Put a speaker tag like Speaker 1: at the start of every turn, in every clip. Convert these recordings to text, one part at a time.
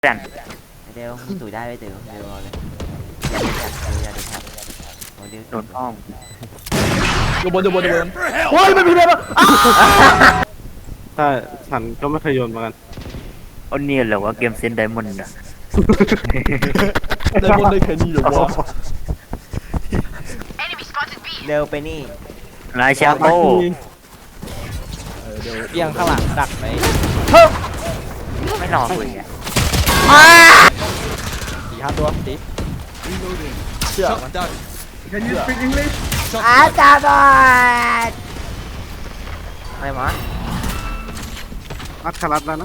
Speaker 1: เพื่อน
Speaker 2: เดี๋ยวมึงตุ๋ยได้ไหมเดี๋ยวรอเลยอย่าดูแท็บเดี๋ยว
Speaker 1: โดนอ้อม
Speaker 3: อยู่บนโอ้ยไม่มีเลย
Speaker 4: ใช่ฉันก็ไม่เคยโยนเหมือนกัน
Speaker 1: เอาเนี่ยเหรอว่าเกมเซนไดมอนด์อะ
Speaker 3: ได้บนได้แค่นี้เหรอวะ
Speaker 2: เร็วไปนี่
Speaker 1: นายชาโก้
Speaker 3: เดี๋ยวเอียงข้างหลังดักไหม
Speaker 1: ไม่นอนเลยอะ
Speaker 3: 4-5 ตัวดิเชื่อมัน
Speaker 2: อาจารย์บอดอะไรวะ
Speaker 4: อัดคารัดแล้วนะ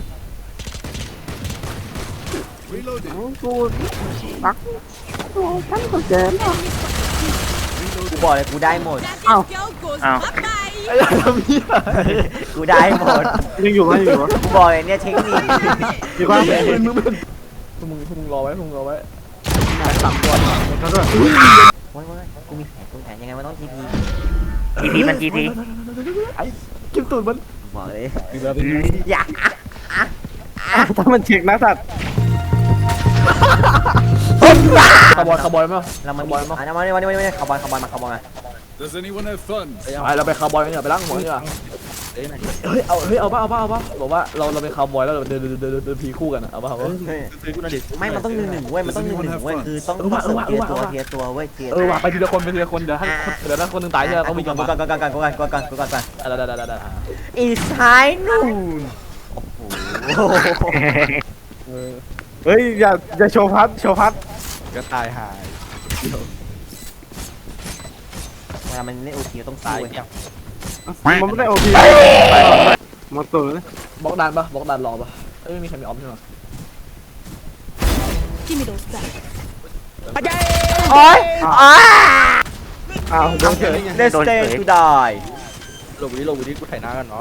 Speaker 4: กูรักฉันก็เจน
Speaker 2: กูบอกเลยกูได้หมด
Speaker 1: อ้าว
Speaker 3: ไอ้ทำเหี้ย
Speaker 2: กูได้หมด
Speaker 4: ยังอยู่ไหมยังอยู่วะ
Speaker 2: กูบอกเลยเนี่ยเทคนิค
Speaker 4: อยู่ป่ะ
Speaker 3: มึงรอไว้3 ตัว
Speaker 4: เขาด้วย
Speaker 2: โว้ยกูมีแผนยังไงมันต้องทีพี
Speaker 1: ทีพีมันทีพี
Speaker 3: ไอ้จิ้มตูดมัน
Speaker 2: บอกเลย
Speaker 3: เป็นไง
Speaker 2: อย่า
Speaker 4: ถ้ามันเช็คนะสัตว์
Speaker 3: คาร์บอยมั้ย
Speaker 2: เรามัน
Speaker 3: คาร์บอยมั้ย
Speaker 2: มาคาร์บอนมา
Speaker 5: Does anyone have fun?
Speaker 3: ไปเราไปคาร์บอยกันเนี่ยไปล้างหัวเนี่ยเฮ้ยเอาป่ะบอกว่าเราเป็นคาร์บอยแล้วเดินพีคู่กันเอาป่ะ
Speaker 2: ไม่มันต้อง1-1เว้ยมันต้อง1-1เว้ยคือต้องเทียร์ตัวเว้ยเทียร์
Speaker 3: ว่ะไปทีละคนเดี๋ยวถ้าคนนึงตายใช่ไหมต้องมี
Speaker 2: ก่
Speaker 3: กั
Speaker 2: อน นก่อน
Speaker 3: ได้
Speaker 2: อีสไฮนูนโอ้โห
Speaker 4: เฮ้ยอย่าโชว์พัด
Speaker 3: ก็ตายหาย
Speaker 2: เวลามันเล่นโอทีต้อง
Speaker 3: ตา
Speaker 2: สู้
Speaker 3: ยเนี่ย
Speaker 4: มันไม่ได้โอพีมาตัวเลย
Speaker 3: บล็อกดันรอป่ะไม่มีใครมีออฟใช่ไหม
Speaker 6: Give me those back.
Speaker 2: โอ้ย
Speaker 4: อ้าวโดนเฉย
Speaker 2: Let's stay to die
Speaker 3: ลงวิธีกูถ่ายหน้ากันเนาะ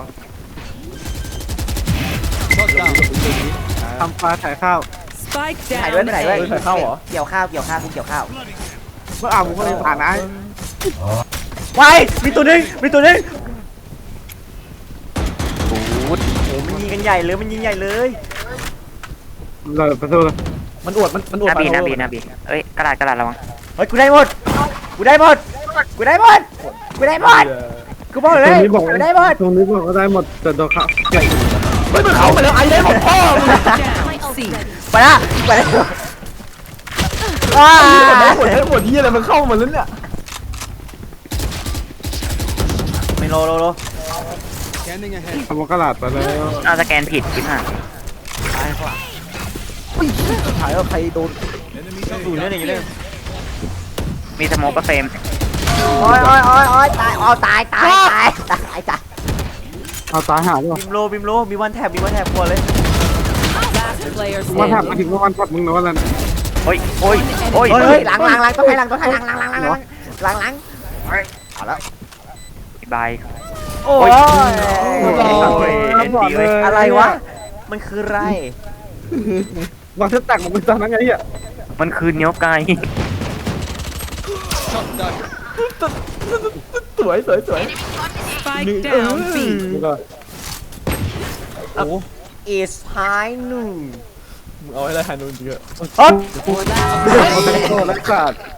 Speaker 5: Shot down.
Speaker 4: ทำปลาถ่ายข้าว
Speaker 6: Spike
Speaker 2: ถ่ายด้วย
Speaker 6: down.
Speaker 2: ถ่ายด้วย
Speaker 3: ถ่ายเข้าเหรอ
Speaker 2: เกี่ยวข้าวกูเกี่ยวข้าว
Speaker 4: เมื่อมึงก็เลยผ่านนะ
Speaker 2: ไว้มีตัวนึง
Speaker 1: บูด
Speaker 2: โอ้มันยิงกันใหญ่เลยมันยิงใหญ่เลย
Speaker 4: เราประตูเลย
Speaker 3: มันอวด
Speaker 1: นาบีเอ้ยกระดาษระวัง
Speaker 2: เฮ้ยกูได้หมดกูบอกเลยกูได้หมด
Speaker 4: ตรงนี้บอกว่าได้หมดแต่โดนเขาใหญ่
Speaker 3: ไม่เป็นเขาไปแล้วไอ้ได้หมดพ่อ
Speaker 6: C.
Speaker 2: ไปละว้า
Speaker 3: หมดที่อะไรมันเข้ามาแล้วเนี่ย
Speaker 2: ไม่โล
Speaker 5: Scanning ahead.
Speaker 4: ทำกระดาษไปแล้ว
Speaker 1: เอาสแกนผิดคิดห่า
Speaker 3: ถ่ายว่าใครโดน
Speaker 5: Enemy
Speaker 2: ดู
Speaker 5: A.
Speaker 2: เรื่องนี้เลย
Speaker 1: มีสโมกกับเฟรม
Speaker 2: โอ้ยตายตาย
Speaker 4: เอาตายหาด้วย
Speaker 2: บิมโลมีวันแท็บกลัวเลย
Speaker 6: Last player
Speaker 4: วันถัด
Speaker 6: standing.
Speaker 4: มาถึงวันถัดมึงนะวันนั้น
Speaker 1: โอ้ย
Speaker 2: เฮ้ยหลังต้องให้หลังเอาแล้ว
Speaker 1: บาย
Speaker 2: โอ้ย
Speaker 1: เล่นดีเลย
Speaker 2: อะไรวะมันคืออะไร
Speaker 4: วันที่แต่งมันเป็นตอนนั้นไงอ่ะ
Speaker 1: มันคือเนี้ยไก่
Speaker 5: Shot down.
Speaker 3: สวย
Speaker 6: Spike down B.
Speaker 3: โอ้
Speaker 2: is high noon
Speaker 3: มึงเอาให้ได้ฮานูนจริง
Speaker 2: เฮ้ย
Speaker 4: โอ้รักษา